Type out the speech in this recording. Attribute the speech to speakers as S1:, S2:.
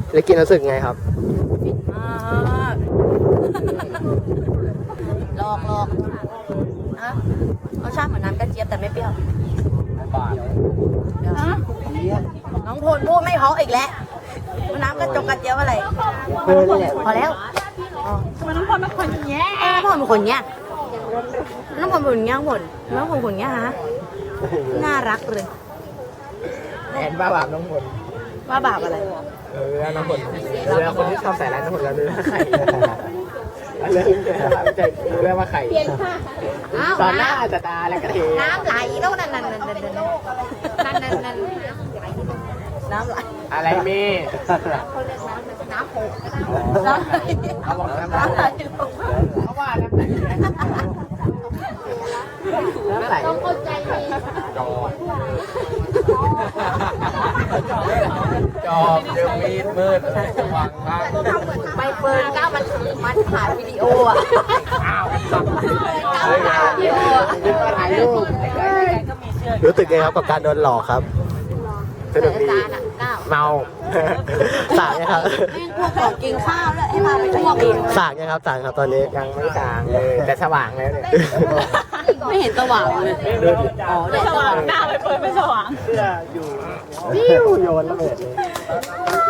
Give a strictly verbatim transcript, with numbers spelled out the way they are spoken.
S1: แล้วกินรู้สึกไงครับ
S2: ฟินมากลองลองนะรสชาติเหมือนน้ำกระเจี๊ยบแต่ไม่เปรี้ยวน้องพลพูดไม่เพราะอีกแล้วน้ำกระจกกระเจี๊ยบอะไรพอแล้วทำไมน้องพลเป็นคนแย่น้องพลเป็นคนแย่น้องพลเป็นคนแย่หมดน้องพลเป็นคนแย่ฮะน่ารักเลย
S1: แอนบ้าบาปน้องผล
S2: ว่าบาปอะไร
S1: เออน้องผลเวลาคนที่ชอบใส่ร้ายน้องผลแล้วดูว่าไข่เรื่องจะรู้แล้วว่าไข่ตอนหน้าจะตาแล้วก็เท
S2: น้ำไหลแล้วนั่นนั่นนั่นนั่นนั่นนั่นนั่นน้ำไหล
S1: อะไรมี
S2: น้ำโขกน้ำไหล
S1: เขาบอกน้ำไหลเขาว่าน้ำไหลน้ำไหลต้องเข้าใจจอบจอบเดี๋ยวมีดมืดวางบ้าง
S2: ไม่เปิดก้าวมันมันถ่ายวิดีโออ่ะ
S1: อ้าว
S2: ก้าวถ่ายวิดีโอ
S1: ถ่ายรูปรู้สึกไงครับกับการโดนหลอกครับสนุกดีเมาสั่งนะครับ
S2: แม่งพวกของกินข้าวแล้วให้มาไปทั่วกิน
S1: สั่งนะครับสั่งครับตอนนี้ยังไม่สั่งเลยแต่สว่างแล้วเนี่ย
S2: ไม่เห็นสว่างเลยอ๋อเดี๋ยวสว่างหน้าไปเปิดไม่สว่าง
S1: เสื้ออยู่วิวโยนระเบิดเลย